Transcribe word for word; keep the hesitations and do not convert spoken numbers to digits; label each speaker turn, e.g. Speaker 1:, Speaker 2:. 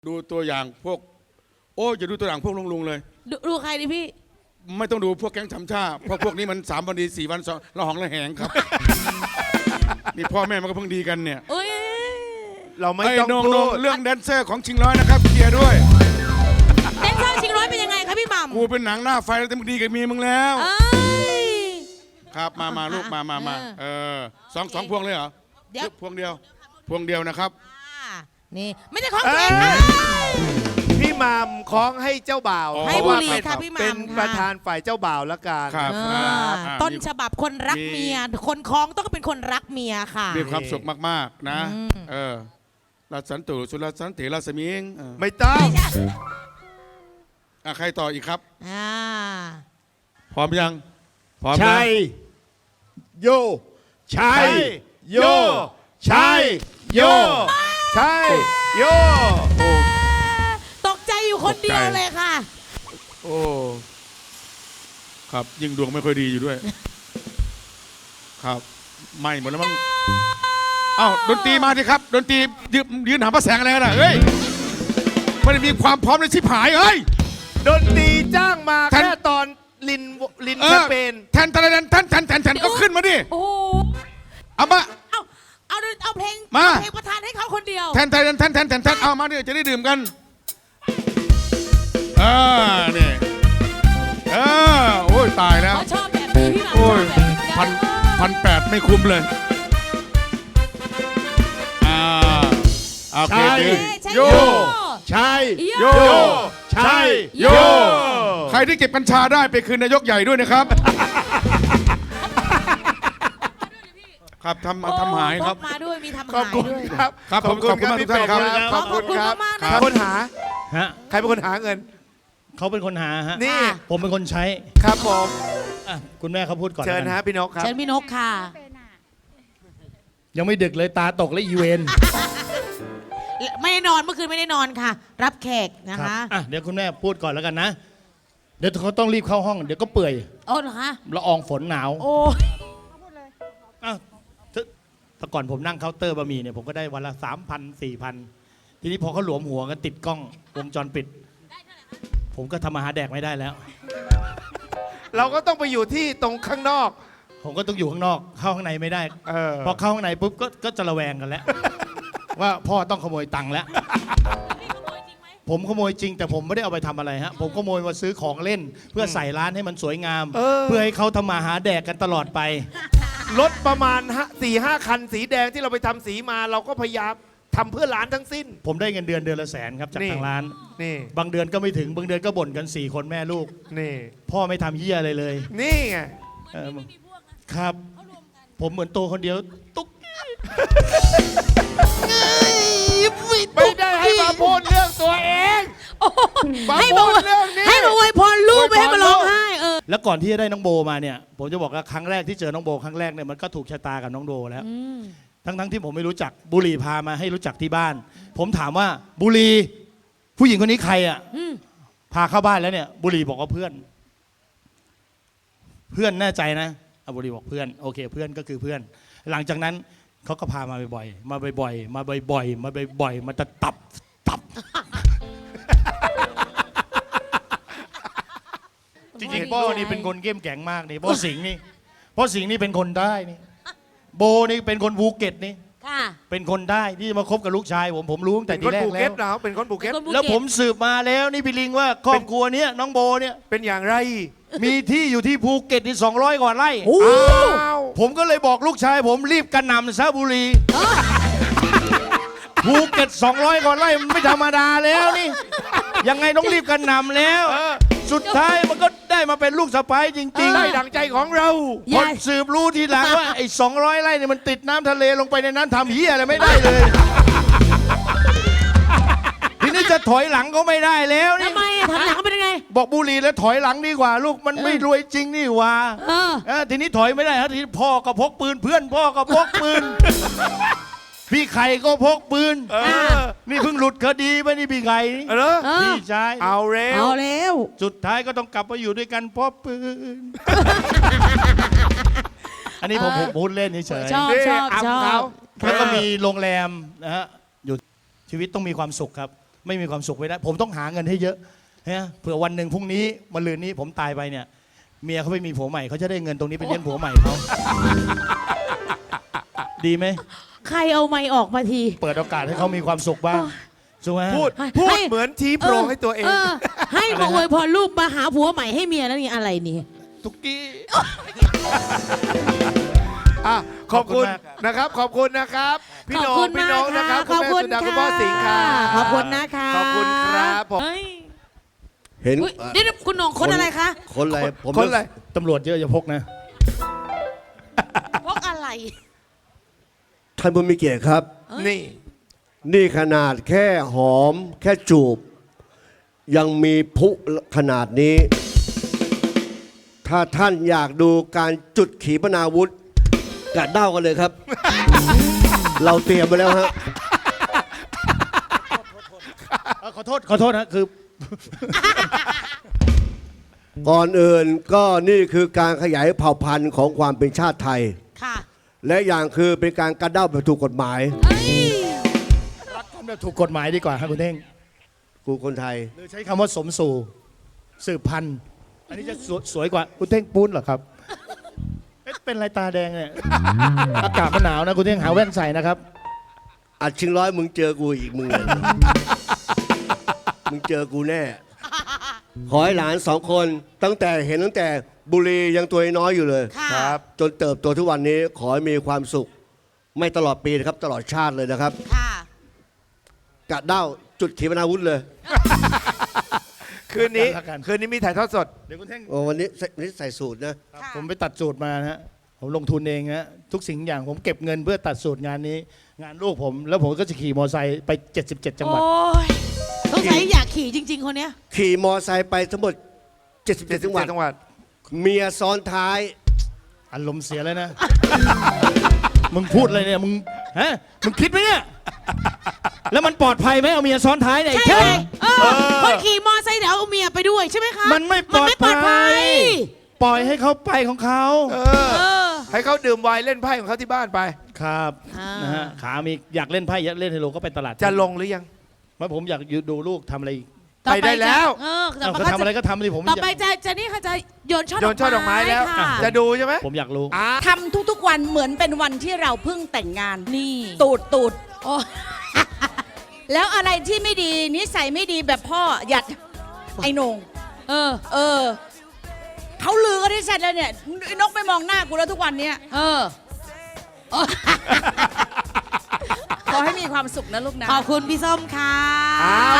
Speaker 1: ดูตัวอย่างพวกโอ้จะดูตัวอย่างพวกลุงลุงเลย
Speaker 2: ด ดูใครดิพี่
Speaker 1: ไม่ต้องดูพวกแก๊งทำชาเพราะพวกนี้มันสามวันดีสี่วันสองละหองละแหงครับ นี่พ่อแม่มันก็เพิ่งดีกันเนี่ย
Speaker 2: เอ้ย
Speaker 3: เราไม่ต้องพูด
Speaker 1: เรื่องแดนเซอร์ของชิงร้อยนะครับเคลียร์ด้วย
Speaker 2: แดนเซอร์ชิงร้อยเป็นยังไงครับพี่หม่ำ
Speaker 1: กูเป็นหนังหน้าไฟแล้วแต่มึงดีกับเมียมึงแล้วครับมามาลูกมามามาเออสองสองพวงเลยเหรอเดี๋ยวพวงเดียวพวงเดียวนะครับ
Speaker 2: นี่ไม่ใช่ของตัวเองค่ะ
Speaker 3: พี่หม่ำคล้องให้เจ้าบ่าว
Speaker 2: ให้บุรีค่ะพี่หม่ำ
Speaker 3: เป็นประธานฝ่ายเจ้าบ่าวละกัน
Speaker 2: ต้นฉบับคนรักเมียคนคล้องต้องเป็นคนรักเมียค่ะ
Speaker 1: มีความสุขมากๆนะเออราสันตุสุรสันติราสมิง
Speaker 3: ไม่ต้อง
Speaker 1: ใครต่ออีกครับ
Speaker 2: อ่า
Speaker 1: พร้อมยัง
Speaker 3: พร้อมชัยโยชัยโยชัยโยชัยโย
Speaker 2: ตกใจอยู่คนเดียวเลยค่ะ
Speaker 1: โอ้ครับยิ่งดวงไม่ค่อยดีอยู่ด้วยครับไม่หมดแล้วมั้งเอ้าดนตรีมาดิครับดนตรียืนยืนหาพระแสงอะไรกันอ่ะเฮ้ยไม่ได้มีความพร้อมในชิบหายเฮ้ย
Speaker 3: ดนตรีจ้างมาแค่ตอนลินลินแคมเปญ
Speaker 1: แทนแทนแทนแทนแทนแทนก็ขึ้นมาดิ
Speaker 2: โอ้
Speaker 1: เอามา
Speaker 2: เอาเอาเอาเพลง
Speaker 1: มา
Speaker 2: เพลงประธานให้เขาคนเดียว
Speaker 1: แทนแทนแทนแทนแทนแทนเอามาดิจะได้ดื่มกันอ่าเนี่ยเออโอ้ยตายแล้ว
Speaker 2: เขาชอบแบบนี้พี่หม่ำชอบแบบนี้
Speaker 1: พันพันแปดไม่คุ้มเลยอ่าโอเค
Speaker 3: โยชัยโยชัยโย
Speaker 1: ใครที่เก็บกัญชาได้ไปคืนนายกใหญ่ด้วยนะครับครับทำทำหายครับ
Speaker 2: มาด้วยมีทำหายด้วย
Speaker 3: ครับ
Speaker 1: ครับผมขอบคุณมากทุกท่านครับ
Speaker 2: ขอบคุณมากมาก
Speaker 3: ใครเป็นคนหาฮะใครเป็นคนหาเงิน
Speaker 4: เขาเป็นคนหาฮะ
Speaker 3: นี่
Speaker 4: ผมเป็นคนใช้
Speaker 3: ครับผม
Speaker 4: คุณแม่เขาพูดก่อน
Speaker 3: เชิญฮะพี่นกครับ
Speaker 2: เชิญพี่นกค่ะ
Speaker 4: ยังไม่ดึกเลยตาตกและอีเวน
Speaker 2: ไม่ได้นอนเมื่อคืนไม่ได้นอนค่ะ รับแขกนะคะ
Speaker 4: อ่ะเดี๋ยวคุณแม่พูดก่อนแล้วกันนะเดี๋ยวเขาต้องรีบเข้าห้องเดี๋ยวก็เปื่อย
Speaker 2: โอ้เหรอคะ
Speaker 4: ละอองฝนหนาว
Speaker 2: โอ้
Speaker 4: อ้าวแต่ก่อนผมนั่งเคาน์เตอร์บะหมี่เนี่ยผมก็ได้วันละสามพันสี่พันทีนี้พอเขาหลวมหัวกันติดกล้องวงจรปิดผมก็ทำอาหารแดกไม่ได้แล้ว
Speaker 3: เราก็ต้องไปอยู่ที่ตรงข้างนอก
Speaker 4: ผมก็ต้องอยู่ข้างนอกเข้าข้างในไม่ได้พอเข้าข้างในปุ๊บก็ก็จะระแวงกันแล้วว่าพ่อต้องขโมยตังค์แล้วผมขโมยจริงแต่ผมไม่ได้เอาไปทำอะไรฮะผมขโมยมาซื้อของเล่นเพื่อใส่ร้านให้มันสวยงามเพื่อให้เขาทำมาหาแดกกันตลอดไป
Speaker 3: รถประมาณสี่ห้าคันสีแดงที่เราไปทำสีมาเราก็พยายามทำเพื่อร้านทั้งสิ้น
Speaker 4: ผมได้เงินเดือนเดือนละแสนครับจากทางร้าน
Speaker 3: นี่
Speaker 4: บางเดือนก็ไม่ถึงบางเดือนก็บ่นกันสี่คนแม่ลูก
Speaker 3: นี่
Speaker 4: พ่อไม่ทำเหี้ยอะไรเลย
Speaker 3: นี่ไง
Speaker 4: ครับผมเหมือนโตคนเดียวตุ๊ก
Speaker 3: ไม่ได้ให้มาพูดเรื่องตัวเอง
Speaker 2: ให้มาเรื่องนี้ให้มาอวยพรลูกไม่ให้มาร้องไห้เออ
Speaker 4: แล้วก่อนที่จะได้น้องโบมาเนี่ยผมจะบอกว่าครั้งแรกที่เจอน้องโบครั้งแรกเนี่ยมันก็ถูกชะตากับน้องโบแล้วทั้งทั้งที่ผมไม่รู้จักบุรีพามาให้รู้จักที่บ้านผมถามว่าบุรีผู้หญิงคนนี้ใครอ่ะพาเข้าบ้านแล้วเนี่ยบุรีบอกว่าเพื่อนเพื่อนแน่ใจนะบุรีบอกเพื่อนโอเคเพื่อนก็คือเพื่อนหลังจากนั้นเขาก็พามาบ่อยๆมาบ่อยๆมาบ่อยๆมาบ่อยๆมาจะตับตับจริงๆโบนี่เป็นคนเข้มแข็งมากนี่โบสิงห์นี่โบสิงห์นี่เป็นคนได้นี่โบนี่เป็นคนภูเก็ตนี่เป็นคนได้ที่จะมาคบกับลูกชายผมผมรู้ตั้งแต่ทีแรกแล้ว
Speaker 3: เป็นคนภูเก็ต
Speaker 4: แล้วผมสืบมาแล้วนี่พี่ลิงว่าครอบครัวนี้น้องโบเนี่ย
Speaker 3: เป็นอย่างไร
Speaker 4: มีที่อยู่ที่ภูเก็ตที่สองร้อยกว่าไร่ผมก็เลยบอกลูกชายผมรีบกระหน่ำซะบุรีภูเก็ตสองร้อยกว่าไร่มันไม่ธรรมดาแล้วนี่ยังไงต้องรีบกระหน่ำแล้วสุดท้ายมันก็ได้มาเป็นลูกสะใภ้จริงๆ
Speaker 3: ได้ดังใจของเรา
Speaker 4: คนสืบรู้ทีหลังว่าไอ้สองร้อยไร่เนี่ยมันติดน้ำทะเลลงไปในนั้นทำเหี้ยอะไรไม่ได้เลยทีนี้จะถอยหลังก็ไม่ได้แล้วนี่
Speaker 2: ทำไมอะถอยหลังก็เป็นยังไง
Speaker 4: บอกบุรีแล้วถอยหลังดีกว่าลูกมันไม่รวยจริงนี่หว่าทีนี้ถอยไม่ได้ครับทีนี้พ่อก็พกปืนเพื่อนพ่อก็พกปืนพี่ไข่ก็พกปืนนี่เพิ่งหลุดคดีไปนี่พี่ไข่พี่ชาย
Speaker 3: เอาเร็ว
Speaker 2: เอาเร็ว
Speaker 4: สุดท้ายก็ต้องกลับมาอยู่ด้วยกันเพราะปืนอันนี้ผมผมพูดเล่นเฉย
Speaker 2: ชอบชอบชอบ
Speaker 4: แล้วก็มีโรงแรมนะฮะอยู่ชีวิตต้องมีความสุขครับไม่มีความสุขไม่ได้ ผมต้องหาเงินให้เยอะนะเผื่อวันหนึ่งพรุ่งนี้มะรืนนี้ผมตายไปเนี่ย เมียเขาไม่มีผัวใหม่เขาจะได้เงินตรงนี้ไปเลี้ยงผัวใหม่เขาดีไหม
Speaker 2: ใครเอาไม้ออกมาที
Speaker 4: เปิดโอกาสให้เขามีความสุขบ้างถูกไหม
Speaker 3: พูด
Speaker 2: ให้
Speaker 3: พูด
Speaker 2: ให้
Speaker 3: เหมือนชี้โปรงให้ตัวเอง
Speaker 2: ให้มาอวยพรลูกมาหาผัวใหม่ให้เมียแล้วนี่อะไรนี่
Speaker 4: ทุกกี้
Speaker 3: อ่ะขอบคุณ
Speaker 4: ขอบคุณมาก
Speaker 3: นะครับ ขอบคุณนะครับ พี่
Speaker 2: ข
Speaker 3: น้
Speaker 2: อ
Speaker 3: อบ ง
Speaker 2: คุณ
Speaker 3: พี่
Speaker 2: มาก
Speaker 3: น้องนะครับ
Speaker 2: ขอบคุณ
Speaker 3: แม่สุดา
Speaker 2: ค่ะ
Speaker 3: คุณพ่อสิงห์ครับ
Speaker 2: ขอบคุณนะคะ
Speaker 3: ขอบคุณครับผม
Speaker 2: เฮ้ย
Speaker 5: เห็น
Speaker 2: อุ๊ยนี่คุณหนงคนอะไรคะ
Speaker 5: คนอะไรผม
Speaker 3: คนอะไร
Speaker 4: ตำรวจเยอะอย่าพกนะ
Speaker 2: พกอะไร
Speaker 5: ท่านผู้มีเกียรติครับ
Speaker 3: นี่
Speaker 5: นี่ขนาดแค่หอม แค่จูบ ยังมีพลุขนาดนี้ ถ้าท่านอยากดูการจุดขีปนาวุธกระเด้ากันเลยครับ เราเตรียมไปแล้วฮะ
Speaker 4: ขอโทษขอโทษนะคือ
Speaker 5: ก่อนอื่นก็นี่คือการขยายเผ่าพันธุ์ของความเป็นชาติไทย
Speaker 2: ค่ะ
Speaker 5: และอย่างคือเป็นการกระเด้าแบบถูกกฎหมาย
Speaker 2: เอ้ย
Speaker 4: รักกันแบบถูกกฎหมายดีกว่าครับคุณเท่ง
Speaker 5: กูคนไทย
Speaker 4: หรือใช้คำว่าสมสู่สืบพันธุ์อันนี้จะสวยสวยกว่าคุณเท่งปุ้นเหรอครับเอ๊ะเป็นไรตาแดงเนี่ย อากาศมันหนาวนะคุณเท่งหาแว่นใส่นะครับ
Speaker 5: อัดชิงร้อยมึงเจอกูอีกมึงเลย มึงเจอกูแน่ ขอให้หลานสองคนตั้งแต่เห็นตั้งแต่บุรียังตัวน้อยอยู่เลย
Speaker 2: ค่ะ
Speaker 3: ครับ
Speaker 5: จนเติบโตทุกวันนี้ขอให้มีความสุข ไม่ตลอดปีนะครับ ตลอดชาติเลยนะครับ
Speaker 2: ค่ะ
Speaker 5: กะเด้าจุดขีปนาวุธเลย
Speaker 3: คืนนี้
Speaker 4: รักกัน
Speaker 3: คืนนี้มีถ่ายทอดสด
Speaker 4: เดี๋ยวคุณเท่ง
Speaker 5: โอ้วันนี้ใส่วันนี้ใส่สูตรนะ
Speaker 2: ค่ะ
Speaker 4: ผมไปตัดสูตรมานะฮะผมลงทุนเองนะทุกสิ่งอย่างผมเก็บเงินเพื่อตัดสูตรงานนี้ งานลูกผม แล้วผมก็จะขี่มอเตอร์ไซค์ไป เจ็ดสิบเจ็ด จังหวัด
Speaker 2: โอ้ยสงสัยอยากขี่จริง ๆ คนเนี้ย
Speaker 5: ขี่มอไซค์ไปทั้งหมดเจ็ดสิบเจ็ดจังหวัด
Speaker 3: จังหวัด
Speaker 5: เมียซ้อนท้าย
Speaker 4: อารมณ์เสียเลยนะ มึงพูดอะไรเนี่ยมึงฮะมึงคิดไหมเนี่ย แล้วมันปลอดภัยไหมเอาเมียซ้อนท้ายเนี่ยไอ้
Speaker 2: ใช่
Speaker 4: เท่
Speaker 2: ไหม
Speaker 4: ง
Speaker 2: เออคนขี่มอไซค์เดี๋ยวเอาเมียไปด้วยใช่ไหมคะ
Speaker 4: มันไม่ปลอด
Speaker 2: มันไม่ปลอด
Speaker 4: ภั
Speaker 2: ภั
Speaker 4: ย
Speaker 2: ย
Speaker 4: ปล่อยให้เขาไปของเขา
Speaker 3: เออ
Speaker 2: เออ
Speaker 3: ให้เขาดื่มไวน์เล่นไพ่ของเขาที่บ้านไป
Speaker 4: ครับ
Speaker 2: อ่าน
Speaker 4: นะฮะขามีอยากเล่นไพ่อยากเล่นไฮโลก็ไปตลาด
Speaker 3: จะลงหรือยัง
Speaker 4: ไม่ผมอยากดูลูกทำอะไรอีก
Speaker 2: ต่อ
Speaker 3: ไปได้แล้ว
Speaker 2: เออต่
Speaker 4: เอา
Speaker 2: อไป
Speaker 4: เขาทำอะไรก็ทำสิผม
Speaker 2: ต่อไป
Speaker 4: อยาก
Speaker 2: จะจะนี่ค่ะจะโยนช่อ
Speaker 3: โยนช่อดอกไม้แล้ว
Speaker 2: ค่ะ
Speaker 3: จะดูใช่ไหม
Speaker 4: ผมอยากรู้
Speaker 3: อ่า
Speaker 6: ทำทุกๆวันเหมือนเป็นวันที่เราเพิ่งแต่งงาน
Speaker 2: นี่
Speaker 6: ตูดตูด
Speaker 2: โอ้
Speaker 6: แล้วอะไรที่ไม่ดีนิสัยไม่ดีแบบพ่อหยัดไอ้โหนง
Speaker 2: เออ
Speaker 6: เออเขาลือกันที่เสร็จแล้วเนี่ยไอ้นกไม่มองหน้ากูแล้วทุกวันเนี้ย
Speaker 2: เออ
Speaker 6: ขอให้มีความสุขนะลูกนะ
Speaker 2: ขอบคุณพี่ส้มค่ะ
Speaker 3: อ้าว